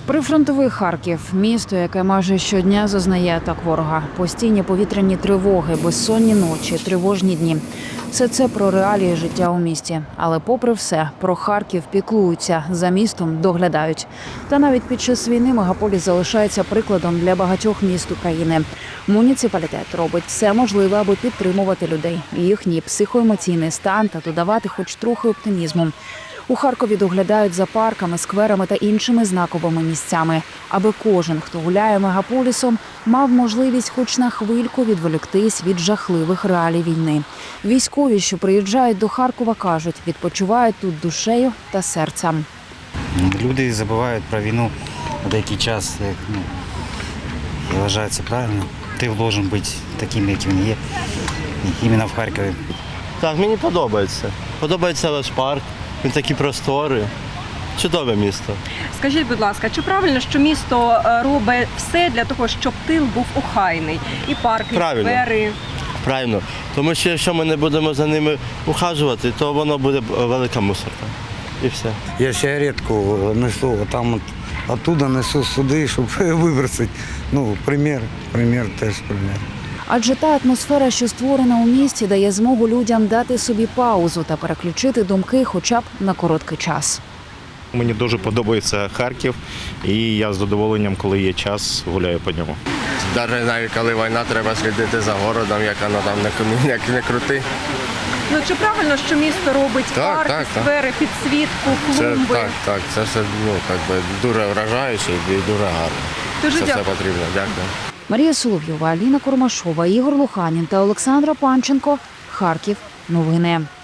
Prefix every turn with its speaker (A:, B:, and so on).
A: Прифронтовий Харків – місто, яке майже щодня зазнає атак ворога. Постійні повітряні тривоги, безсонні ночі, тривожні дні. Все це про реалії життя у місті. Але попри все, про Харків піклуються, за містом доглядають. Та навіть під час війни мегаполіс залишається прикладом для багатьох міст України. Муніципалітет робить все можливе, аби підтримувати людей, їхній психоемоційний стан та додавати хоч трохи оптимізму. У Харкові доглядають за парками, скверами та іншими знаковими місцями, аби кожен, хто гуляє мегаполісом, мав можливість хоч на хвильку відволіктись від жахливих реалій війни. Військові, що приїжджають до Харкова, кажуть, відпочивають тут душею та серцем.
B: Люди забувають про війну на деякий час. Я вважаю, це правильно. Ти повинен бути таким, як він є, іменно в Харкові.
C: Так, мені подобається. Подобається ваш парк. Він такі простори. Чудове місто.
D: Скажіть, будь ласка, чи правильно, що місто робить все для того, щоб тил був охайний? І парки, і сквери?
C: Правильно. Тому що якщо ми не будемо за ними ухажувати, то воно буде велика мусорка. І все.
E: Я ще рідко несу, оттуда несу сюди, щоб вибросити. Примір теж примір.
A: Адже та атмосфера, що створена у місті, дає змогу людям дати собі паузу та переключити думки хоча б на короткий час.
F: Мені дуже подобається Харків, і я з задоволенням, коли є час, гуляю по ньому.
G: Навіть коли війна, треба слідити за городом, як воно там не крути.
D: Чи правильно, що місто робить парки, сквери, підсвітку, клумби?
G: Так, це все дуже вражаюче і дуже гарно.
D: Дуже
G: це
D: дякую.
G: все потрібно. Дякую.
A: Марія Соловйова, Аліна Курмашова, Ігор Луханін та Олександра Панченко. Харків. Новини.